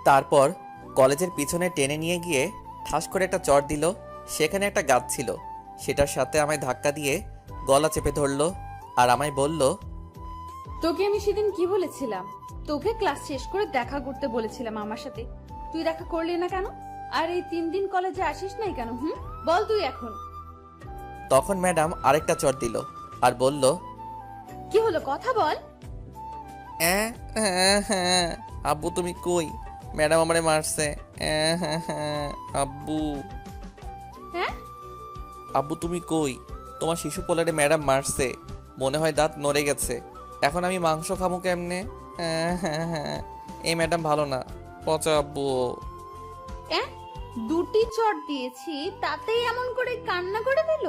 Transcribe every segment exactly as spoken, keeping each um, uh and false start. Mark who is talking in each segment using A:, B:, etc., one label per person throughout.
A: তারপর কলেজের পিছনে টেনে নিয়ে গিয়ে ঠাস করে একটা চড় দিল। সেখানে একটা গাছ ছিল, সেটার সাথে আমায় ধাক্কা দিয়ে গলা চেপে ধরলো আর আমায় বলল,
B: তোকে আমি সেদিন কি বলেছিলাম? তোকে ক্লাস শেষ করে দেখা করতে বলেছিলাম আমার সাথে, তুই দেখা করলি না কেন? আর এই তিন দিন কলেজে আসিস নাই কেন? হুম, বল তুই এখন।
A: তখন ম্যাডাম আরেকটা চড় দিল আর বলল,
B: কি হলো, কথা বল।
A: "অ্যাঁ, হ্যাঁ হ্যাঁ আব্বু তুমি কই? ম্যাডাম আমারে মারছে। অ্যাঁ, হ্যাঁ হ্যাঁ আব্বু
B: হ্যাঁ,
A: আব্বু তুমি কই? তোমার শিশু পোলারে ম্যাডাম মারছে, মনে হয় দাঁত নড়ে গেছে। এখন আমি মাংস খাবো কেমনে? হ্যাঁ হ্যাঁ হ্যাঁ এই ম্যাডাম ভালো না, পচা আব্বু।
B: হ্যাঁ, দুটি চট দিয়েছি তাতেই এমন করে কান্না করে দিল।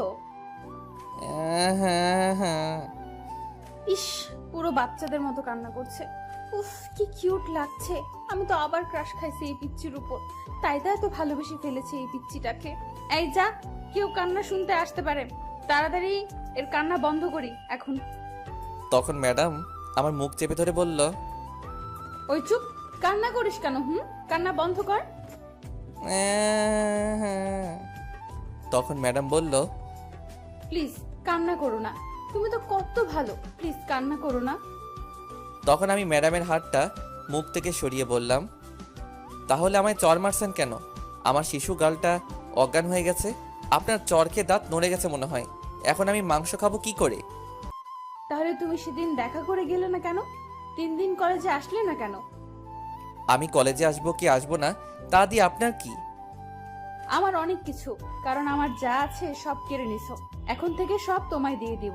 A: হ্যাঁ হ্যাঁ হ্যাঁ
B: ইস, পুরো বাচ্চাদের মতো কান্না করছে। উফ, কি কিউট লাগছে। আমি তো আবার ক্রাশ খাইছি এই পিচ্চির উপর, তাই তাই তো ভালোবেসে ফেলেছে এই পিচ্চিটাকে। এই যা, কেউ কান্না শুনতে আসতে পারে, তাড়াতাড়ি এর কান্না বন্ধ করি এখন।
A: তখন ম্যাডাম আমার মুখ চেপে ধরে বলল,
B: ওই চুপ, কান্না করিস কেন? হুম, কান্না বন্ধ কর।
A: "অ্যাঁ, হ্যাঁ।" তখন ম্যাডাম বলল,
B: প্লিজ কান্না করো না, তুমি তো কত ভালো, প্লিজ কান্না করো না।
A: তখন আমি ম্যাডামের হাতটা মুখ থেকে সরিয়ে বললাম, তাহলে আমায় চর মারছেন কেন? আমার শিশু গালটা অজ্ঞান হয়ে গেছে, আপনার চর খেয়ে দাঁত নড়ে গেছে মনে হয়। এখন আমি মাংস খাবো কি করে?
B: তাহলে তুমি সেদিন দেখা করে গেলে না কেন? তিন দিন কলেজে আসলে না কেন?
A: আমি কলেজে আসবো কি আসবো না তা দিয়ে আপনার কি?
B: আমার অনেক কিছু, কারণ আমার যা আছে সব কেড়ে নিছো, এখন থেকে সব তোমায় দিয়ে দিব।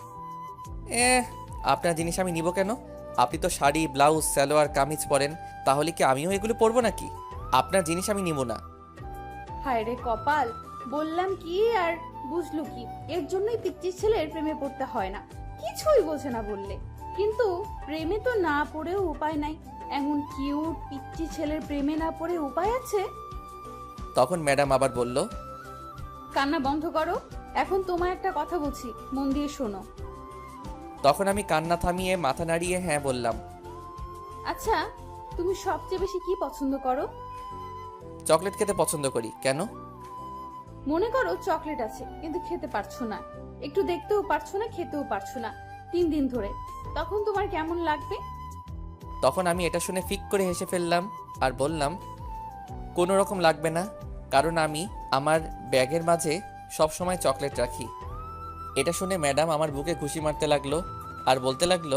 A: এ আপনার জিনিস আমি নিব কেন? আপনি তো শাড়ি ব্লাউজ সালোয়ার কামিজ পরেন, তাহলে কি আমিও এগুলো পরবো নাকি? আপনার জিনিস আমি নিব না।
B: হায় রে কপাল, বললাম কি আর বুঝলো কি? এর জন্যই পিচ্চির ছেলের প্রেমে পড়তে হয় না, কিছুই বোঝে না বললে। কিন্তু প্রেমে তো না পড়েও উপায় নাই, এমন কিউট পিচ্চি ছেলের প্রেমে না পড়ে উপায় আছে?
A: তখন ম্যাডাম আবার বলল,
B: কান্না বন্ধ করো, এখন তোমায় একটা কথা বলছি, মন দিয়ে শোনো।
A: তখন আমি কান্না থামিয়ে মাথা নাড়িয়ে হ্যাঁ বললাম।
B: আচ্ছা, তুমি সবচেয়ে বেশি কি পছন্দ করো?
A: চকলেট খেতে পছন্দ করি। কেন?
B: মনে করো চকলেট আছে কিন্তু খেতে পারছো না, একটু দেখতেও পারছো না, খেতেও পারছো না তিন দিন ধরে, তখন তোমার কেমন লাগবে?
A: তখন আমি এটা শুনে ফিক করে হেসে ফেললাম আর বললাম, কোনো রকম লাগবে না, কারণ আমি আমার ব্যাগের মাঝে সব সময় চকলেট রাখি। এটা শুনে ম্যাডাম আমার বুকে ঘুষি মারতে লাগলো আর বলতে লাগলো,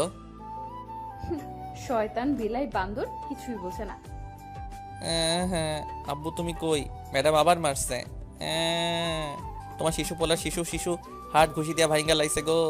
B: শয়তান বিলাই বান্দর, কিছুই বোঝে না।
A: "অ্যাঁ, হ্যাঁ আব্বু তুমি কই? ম্যাডাম আবার মারছে। অ্যাঁ, তোমার শিশু পোলা শিশু শিশু হাত ঘুষি দিয়া ভাইঙ্গা লাইছে গো।"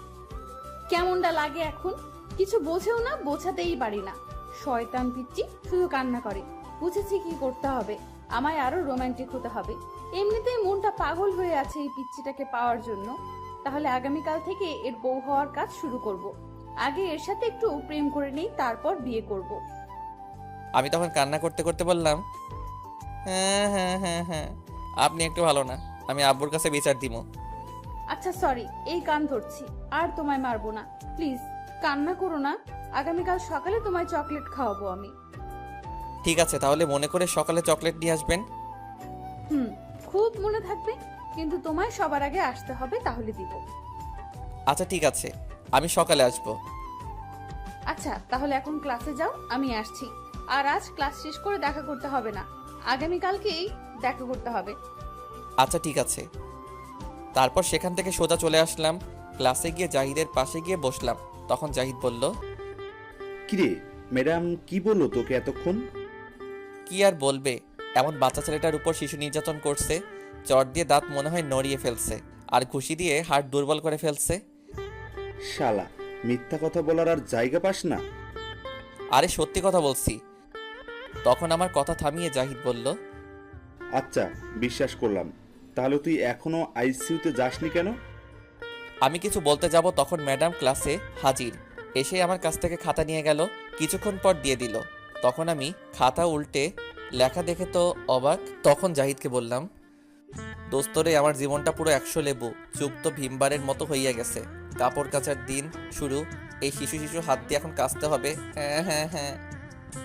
B: কেমনটা লাগে এখন? কিছু বোঝেও না, বোঝাতেই পারি না। শয়তান পিচ্চি, শুধু কান্না করে। বুঝেছি কি করতে হবে, আমায় আরো রোমান্টিক হতে হবে। এমনিতেই মনটা পাগল হয়ে আছে এই পিচ্চিটাকে পাওয়ার জন্য। তাহলে আগামীকাল থেকে এর বউ হওয়ার কাজ শুরু করব। আগে এর সাথে একটু প্রেম করে নেই, তারপর বিয়ে করব।
A: আমি তখন কান্না করতে করতে বললাম, হ্যাঁ হ্যাঁ হ্যাঁ হ্যাঁ আপনি একটু ভালো না, আমি আব্বুর কাছে বিচার দিব।
B: আচ্ছা সরি, এই কান ধরছি, আর তোমায় মারবো না, প্লিজ কান্না করো না। আগামীকাল সকালে তোমায় চকলেট খাওয়াবো আমি।
A: ঠিক আছে, তাহলে মনে করে সকালে চকলেট নিয়ে আসবেন।
B: হুম, খুব মনে থাকবে, কিন্তু তোমায় সবার আগে আসতে হবে, তাহলে দিব।
A: আচ্ছা ঠিক আছে, আমি সকালে আসবো।
B: আচ্ছা তাহলে এখন ক্লাসে যাও, আমি আসছি। আর আজ ক্লাস শেষ করে দেখা করতে হবে না, আগামীকালকেই দেখা করতে হবে।
A: আচ্ছা ঠিক আছে। তারপর সেখান থেকে সোজা চলে আসলাম ক্লাসে, গিয়ে জাহিদের পাশে গিয়ে বসলাম। তখন জাহিদ বলল,
C: কিরে, ম্যাডাম কি বললো তোকে এতক্ষণ?
A: কি আর বলবে, এমন বাচ্চা ছেলেটার উপর শিশু নির্যাতন করছে, চট দিয়ে দাঁত মনে হয় নড়িয়ে ফেলছে আর ঘুষি দিয়ে হাড় দুর্বল করে ফেলছে।
C: শালা, মিথ্যা কথা বলার আর জায়গা পাস না।
A: আরে সত্যি কথা বলছি। তখন আমার কথা থামিয়ে জাহিদ বলল,
C: আচ্ছা বিশ্বাস করলাম, তাহলে তুই এখনো আইসিইউতে যাসনি কেন?
A: আমি কিছু বলতে যাব, তখন ম্যাডাম ক্লাসে হাজির। এসে আমার কাছ থেকে খাতা নিয়ে গেল, কিছুক্ষণ পর দিয়ে দিল। তখন আমি খাতা উল্টে লেখা দেখে তো অবাক। তখন জাহিদকে বললাম, দোস্তরে আমার জীবনটা পুরো একশো লেবু, চুপ তো ভীমবারের মতো হইয়া গেছে। কাপড় কাচার দিন শুরু, এই শিশু শিশু হাত দিয়ে এখন কাচতে হবে। হ্যাঁ হ্যাঁ হ্যাঁ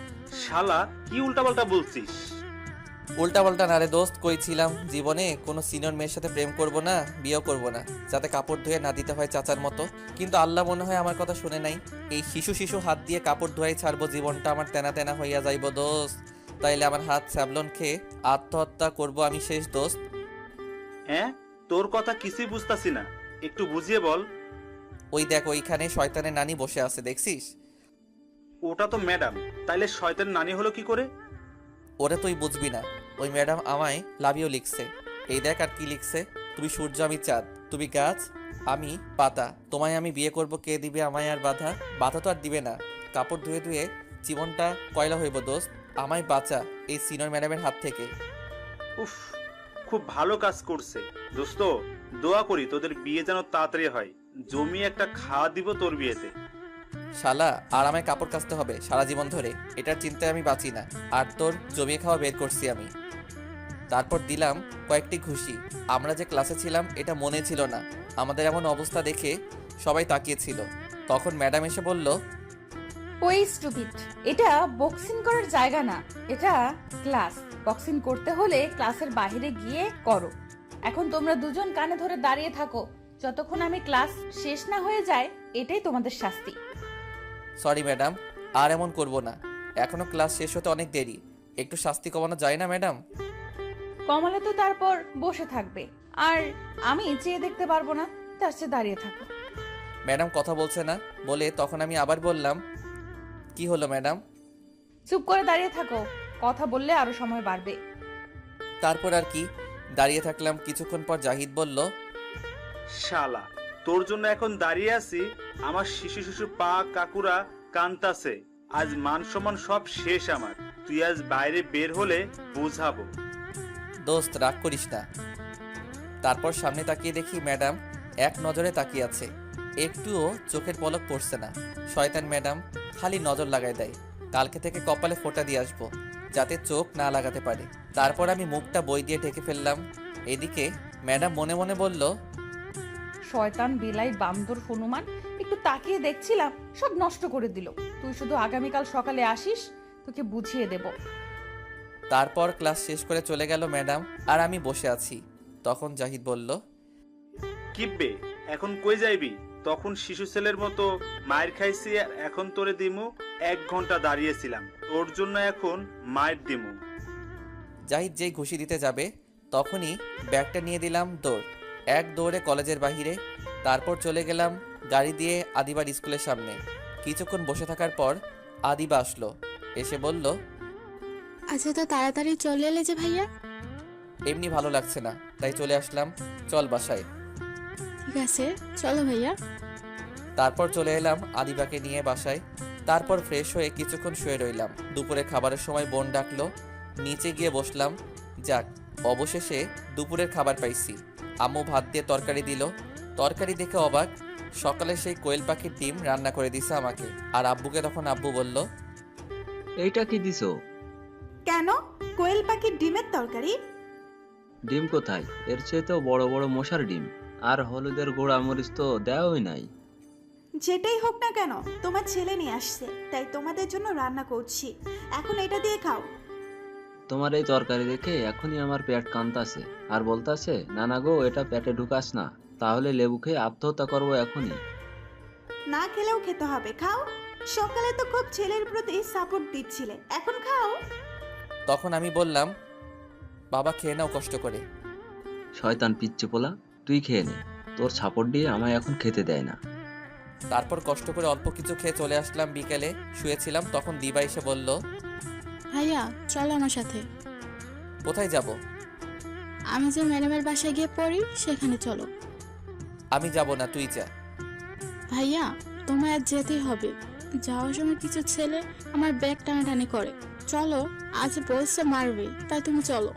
D: শালা কি উল্টাপাল্টা বলছিস?
A: উল্টা পাল্টা না রে দোস্ত, কইছিলাম জীবনে কোনো সিনিয়র মেয়ের সাথে প্রেম করব না, বিয়েও করব না, যাতে কাপড় ধুয়ে না দিতে হয় চাচার মতো। কিন্তু আল্লাহ মনে হয় আমার কথা শুনে নাই। এই শিশু শিশু হাত দিয়ে কাপড় ধোয়াই ছাড়বো, জীবনটা আমার তেনা তেনা হইয়া যাইব দোস্ত। তাইলে আমার হাত স্যাবলন খেয়ে আত্মহত্যা করব আমি শেষ দোস্ত।
D: হ্যাঁ, তোর কথা কিছুই বুঝতাছি না, একটু বুঝিয়ে বল।
A: ওই দেখ ওইখানে শয়তানের নানি বসে আছে, দেখছিস?
D: ওটা তো ম্যাডাম, তাইলে শয়তান নানি হলো কি করে?
A: ওরে তুই বুঝবি না, ওই ম্যাডাম আমায় লাভিও লিখছে। এই দেখ আর কি লিখছে, তুমি সূর্য আমি চাঁদ, তুমি গাছ আমি পাতা, তোমায় আমি বিয়ে করব, কে দিবে আমায় আর বাধা? বাধা তো আর দিবে না, কাপড় ধুয়ে ধুয়ে জীবনটা কয়লা হইব দোস্ত, আমায় বাঁচা এই সিনিয়র ম্যাডামের হাত থেকে।
D: উফ, খুব ভালো কাজ করছে দোস্ত। দোয়া করি তোদের বিয়ে যেন তাড়াতাড়ি হয়, জমি একটা খাওয়া দিব তোর বিয়েতে।
A: শালা আর আমায় কাপড় কাচতে হবে সারা জীবন ধরে, এটার চিন্তায় আমি বাঁচি না। আর তোর জমিয়ে খাওয়া বের করছি আমি। তারপর দিলাম কয়েকটি ঘুষি। আমরা যে ক্লাসে ছিলাম এটা মনে ছিল না। আমাদের এমন অবস্থা দেখে সবাই তাকিয়েছিল। তখন ম্যাডাম এসে বলল,
B: ওই স্টুপিড, এটা বক্সিং করার জায়গা না, এটা ক্লাস। বক্সিং করতে হলে ক্লাসের বাইরে গিয়ে করো। এখন তোমরা দুজন কানে ধরে দাঁড়িয়ে থাকো যতক্ষণ আমি ক্লাস শেষ না হয়ে যায়, এটাই তোমাদের শাস্তি।
A: সরি ম্যাডাম, আর এমন করব না, এখনো ক্লাস শেষ হতে অনেক দেরি, একটু শাস্তি কমানো যায় না ম্যাডাম?
B: কমলে তো তারপর বসে থাকবে, আর আমি চেয়ে দেখতে পারবো না, তার চেয়ে দাঁড়িয়ে থাকো।
A: ম্যাডাম কথা বলছে না বলে তখন আমি আবার বললাম, কি হলো ম্যাডাম?
B: চুপ করে দাঁড়িয়ে থাকো, কথা বললে আরো সময় বাড়বে।
A: তারপর আর কি, দাঁড়িয়ে থাকলাম। কিছুক্ষণ পর জাহিদ বলল,
D: শালা তোর জন্য এখন দাঁড়িয়ে আছি, আমার শিশু শিশু পা কাকুরা কান্তাছে, আজ মান সম্মান সব শেষ আমার। তুই আজ বাইরে বের হলে বুঝাবো।
A: দোস্ত রাগ করিস না। তারপর সামনে তাকিয়ে দেখি ম্যাডাম এক নজরে তাকিয়ে আছে, একটুও চোখের পলক পড়ছে না। শয়তান ম্যাডাম খালি নজর লাগায় দেয়। কালকে থেকে কপালে ফোঁটা দিয়ে আসবো, যাতে চোখ না লাগাতে পারে। তারপর আমি মুখটা বই দিয়ে ঢেকে ফেললাম। এদিকে ম্যাডাম মনে মনে বলল,
B: শয়তান বিলাই বান্দর হনুমান, একটু তাকিয়ে দেখছিলাম, সব নষ্ট করে দিল। তুই শুধু আগামীকাল সকালে আসিস, তোকে বুঝিয়ে দেব।
A: তারপর ক্লাস শেষ করে চলে গেল ম্যাডাম, আর আমি বসে আছি। তখন জাহিদ বলল,
D: কিপবে এখন কই যাইবি? তখন শিশু ছেলের মতো মায়ের খাইছি, আর এখন তোরে দিমু। এক ঘন্টা দাঁড়িয়েছিলাম তোর জন্য, এখন মায়ের দিমু।
A: জাহিদ যেই ঘুষি দিতে যাবে তখনই ব্যাগটা নিয়ে দিলাম দৌড়, এক দৌড়ে কলেজের বাহিরে। তারপর চলে গেলাম গাড়ি দিয়ে আদিবার স্কুলের সামনে। কিছুক্ষণ বসে থাকার পর আদিবা আসলো, এসে বলল,
E: আচ্ছা, তো তাড়াতাড়ি চলে এলে যে ভাইয়া?
A: এমনি ভালো লাগছে না, তাই চলে আসলাম, চল বাসায়।
E: ঠিক আছে, চলো ভাইয়া।
A: তারপর চলে এলাম আদিবাকে নিয়ে বাসায়। তারপর ফ্রেশ হয়ে কিছুক্ষণ শুয়ে রইলাম। দুপুরে খাবারের সময় বোন ডাকলো, নিচে গিয়ে বসলাম। যাক, অবশেষে দুপুরের খাবার পাইছি। আম্মু ভাত দিয়ে তরকারি দিল। তরকারি দেখে অবাক, সকালে সেই কোয়েল পাখির ডিম রান্না করে দিছে আমাকে। আর আব্বুকে তখন আব্বু বলল,
F: এইটা কি দিছো?
G: কেন? কোয়েল পাখির ডিমের তরকারি?
F: ডিম কোথায়? এর চেয়ে বড় বড় মশার ডিম। আর হলুদের গোড়া মরিচ তো দেওয়াই নাই।
G: যেটাই হোক না কেন, তোমার ছেলে নিয়ে আসছে, তাই তোমাদের জন্য রান্না করছি। এখন এটা দিয়ে খাও।
F: তোমার এই তরকারি দেখে এখনই আমার পেট কান্তাছে, আর বলতাছে, নানা গো এটা পেটে ঢুকাস না, তাহলে লেবু খেয়ে আত্মহত্যা করবো এখনই।
G: না খেলেও খেতে হবে, খাও। সকালে তো খুব ছেলের প্রতি সাপোর্ট দিচ্ছিলে, এখন খাও।
A: তখন আমি বললাম, বাবা খেয়ে নাও কষ্ট করে।
F: শয়তান পিচ্চি পোলা, তুই খেয়ে নে, তোর সাপোর্ট দিয়ে আমায় এখন খেতে দেয় না।
A: তারপর কষ্ট করে অল্প কিছু খেয়ে চলে আসলাম। বিকেলে শুয়েছিলাম, তখন দিবা এসে বলল,
E: ভাইয়া চলো আমার সাথে।
A: কোথায় যাব?
E: আমি যে ম্যাডামের বাসায় গিয়ে পড়ি সেখানে চলো।
A: আমি যাব না, তুই যা।
E: ভাইয়া তোমায় আজ যেতেই হবে। যাওয়ার সময় কিছু ছেলে আমার ব্যাগ টানাটানি করে। চলো, আজ বলছে মারবে, তাই তুমি চলো।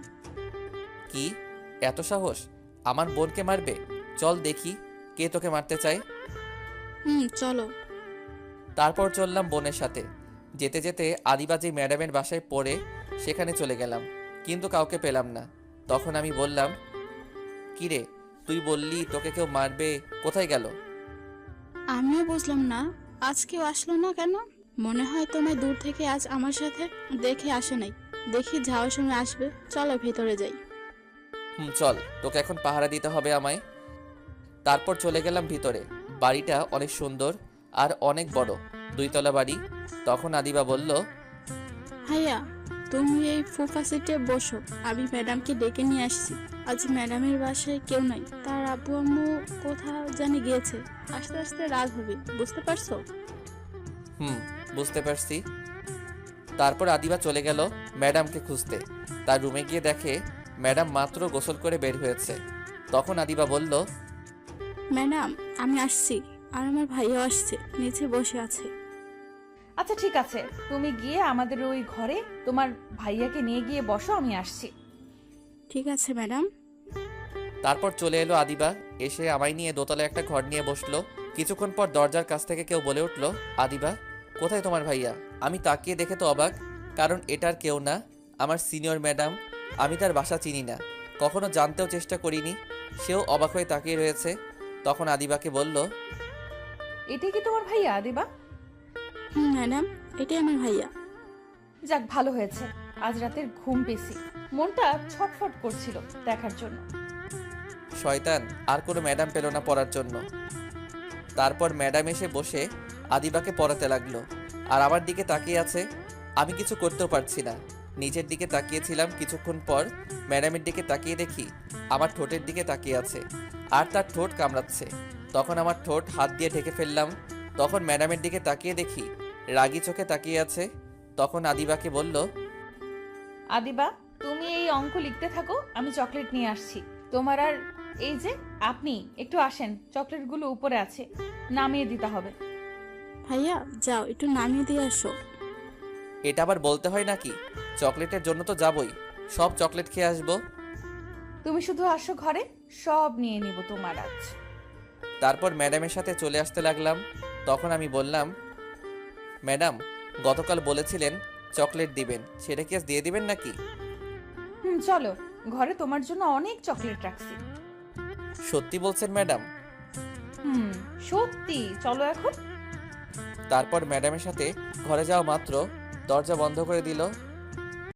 A: কি এত সাহস? আমার বোনকে মারবে? চল দেখি কে তোকে মারতে চায়।
E: হুম, চলো।
A: তারপর চললাম বোনের সাথে। যেতে যেতে আদিবাজি ম্যাডামের বাসায় পড়ে সেখানে চলে গেলাম, কিন্তু কাউকে পেলাম না। তখন আমি বললাম, কি রে, তুই বললি তোকে কেউ মারবে, কোথায় গেল?
E: আমিও বুঝলাম না, আজ কেউ আসলো না কেন? মনে হয় তোমায় দূর থেকে আজ আমার সাথে দেখে আসে নাই। দেখি যাওয়ার সময় আসবে, চলো ভেতরে যাই।
A: হুম চল, তোকে এখন পাহারা দিতে হবে আমায়। তারপর চলে গেলাম ভিতরে। বাড়িটা অনেক সুন্দর আর অনেক বড়, দুইতলা বাড়ি। তখন আদিবা বলল,
E: ভাইয়া তুমি এই সোফা সিটে বসো, আমি ম্যাডামকে ডেকে নিয়ে আসছি। আজ ম্যাডামের বাসায় কেউ নাই, তার আব্বু আম্মু কোথাও জানি গিয়েছে। আস্তে আস্তে রাত হবে, বুঝতে পারছো?
A: হুম বুঝতে পারছি। তারপর আদিবা চলে গেল ম্যাডামকে খুঁজতে। তার রুমে গিয়ে দেখে ম্যাডাম মাত্র গোসল করে বের হয়েছে। তখন আদিবা বলল,
E: ম্যাডাম আমি আসছি, আর আমার ভাইয়াও আসছে, নিচে বসে আছে।
B: আচ্ছা ঠিক আছে, তুমি গিয়ে আমাদের ওই ঘরে তোমার ভাইয়াকে নিয়ে গিয়ে বসো, আমি আসছি।
E: ঠিক আছে ম্যাডাম।
A: তারপর চলে এলো আদিবা, এসে আমায় নিয়ে দোতলায় একটা ঘর নিয়ে বসলো। কিছুক্ষণ পর দরজার কাছ থেকে কেউ বলে উঠল, আদিবা কোথায় তোমার ভাইয়া? আমি তাকিয়ে দেখে তো অবাক, কারণ এটার কেউ না, আমার সিনিয়র ম্যাডাম। আমি তার বাসা চিনি না, কখনো জানতেও চেষ্টা করিনি। সেও অবাক হয়ে তাকিয়ে রয়েছে। তখন আদিবাকে বলল,
B: এটাই কি তোমার ভাইয়া আদিবা?
E: হুম ম্যাডাম, এটাই আমার ভাইয়া।
B: যাক ভালো হয়েছে, আজ রাতের ঘুম পেয়েছি, মনটা ছটফট করছিল দেখার জন্য।
A: শয়তান আর কোনো ম্যাডাম পেল না পড়ার জন্য। তারপর ম্যাডাম এসে বসে আদিবাকে পড়াতে লাগলো, আর আমার দিকে তাকিয়ে আছে। আমি কিছু করতেও পারছি না, নিচের দিকে তাকিয়েছিলাম। কিছুক্ষণ পর ম্যাডামের দিকে তাকিয়ে দেখি আমার ঠোঁটের দিকে তাকিয়ে আছে, আর তার ঠোঁট কামড়াচ্ছে। তখন আমার ঠোঁট হাত দিয়ে ঢেকে ফেললাম। তখন ম্যাডামের দিকে তাকিয়ে দেখি রাগী চোখে তাকিয়ে আছে। তখন আদিবাকে বলল,
B: আদিবা তুমি এই অঙ্ক লিখতে থাকো, আমি চকলেট নিয়ে আসছি তোমার। আর এই যে আপনি একটু আসেন, চকলেটগুলো উপরে আছে, নামিয়ে দিতে হবে।
E: ভাইয়া যাও একটু নামিয়ে দিয়ে আসো।
A: এটা আবার বলতে হয় নাকি? চকলেটের জন্য তো যাবই, সব চকলেট খেয়ে আসবো।
B: তুমি শুধু আসো ঘরে, সব নিয়ে নিব তোমার আজ।
A: তারপর ম্যাডামের সাথে চলে আসতে লাগলাম। তখন আমি বললাম, ম্যাডাম গতকাল বলেছিলেন চকলেট দিবেন, সেটা কি আজ দিয়ে দিবেন নাকি?
B: হুম চলো, ঘরে তোমার জন্য অনেক চকলেট রাখছি।
A: সত্যি বলছেন ম্যাডাম?
B: হুম সত্যি, চলো এখন।
A: তারপর ম্যাডামের সাথে ঘরে যাওয়া মাত্র দরজা বন্ধ করে দিল।